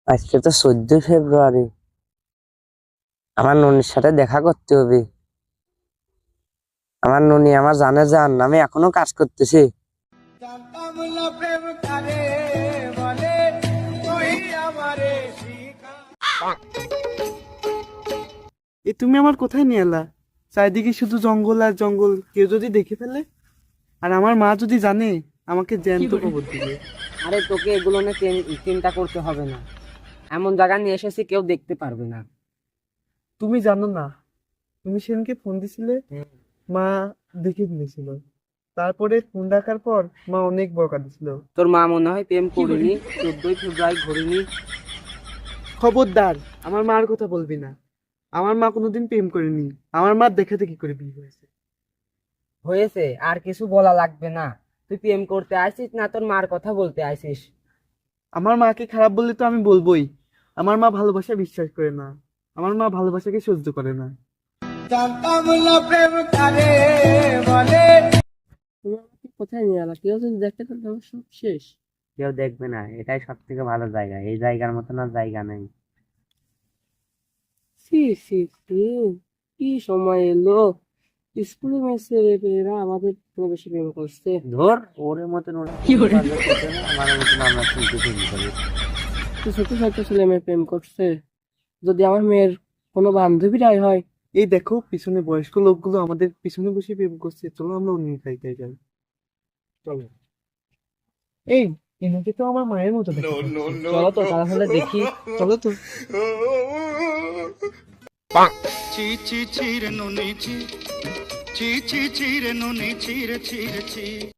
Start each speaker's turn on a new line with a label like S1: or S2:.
S1: আজকে তো 14 ফেব্রুয়ারি। আমার ননির সাথে দেখা করতে হবে। আমার ননি আমার জানে জান, আমি এখনো কাজ করতেছি।
S2: তুমি আমার কোথায় নিয়ে এলা? চারিদিকে শুধু জঙ্গল আর জঙ্গল, কেউ যদি দেখে ফেলে আর আমার মা যদি জানে, আমাকে জ্যান্ত কবর দিবে।
S1: আরে তোকে এগুলো নিয়ে চিন্তা করতে হবে না। এমন জায়গা নিয়ে এসেছি কেউ দেখতে পারবে না।
S2: তুমি জানো না, তুমি সেদিনকে ফোন দিছিলে, মা দেখে ফেলেছিল। তারপরে ফোন রাখার পর মা অনেক বকা দিছিল।
S1: তোর মা মনে হয় প্রেম করিনি, 14 ফেব্রুয়ারি ঘুরিনি।
S2: খবরদার, আমার মার কথা বলবি না। আমার মা কোনোদিন প্রেম করেনি। আমার মা দেখে দেখে করে বিয়ে হয়েছে।
S1: হয়েছে, আর কিছু বলা লাগবে না। তুই প্রেম করতে আসিস না তোর মার কথা বলতে আসিস?
S2: আমার মাকে খারাপ বললে তো আমি বলবোই। আমার মা ভালোবাসা বিশ্বাস করে না। আমার মা ভালোবাসাকে সহ্য করে না।
S1: তুমি আমাকে কোথায় নিয়ে এলা? কেউ যদি দেখতে তাহলে আমার সব শেষ। কেউ দেখবে না, এটাই সব থেকে ভালো জায়গা। এই জায়গার মতন আর জায়গা নেই। সি সি সি, কি সময় এলো! স্কুলে মেসে এরা আমাদের থেকে বেশি প্রেম করছে। ধর ওরে মতন ওরা আমার মতন আমরা শুনতে শুরু করি। তো ছোট ছোট ছেলে মেয়ে প্রেম করছে, যদি আমার মেয়ের কোনো বান্ধবীরাই হয়।
S2: এই দেখো, পিছনে বয়স্ক লোকগুলো আমাদের পিছনে বসে প্রেম করছে। চলো আমরা অন্য জায়গায় যাই। চলো। এই, এনাকে তো আমার মায়ের মতো দেখতে লাগছে।
S1: চলো তো তাহলে দেখি।
S2: চলো তো।
S3: চি চি চিরে নুনি চি চি চি চিরে নুনি চিরে চিরে চি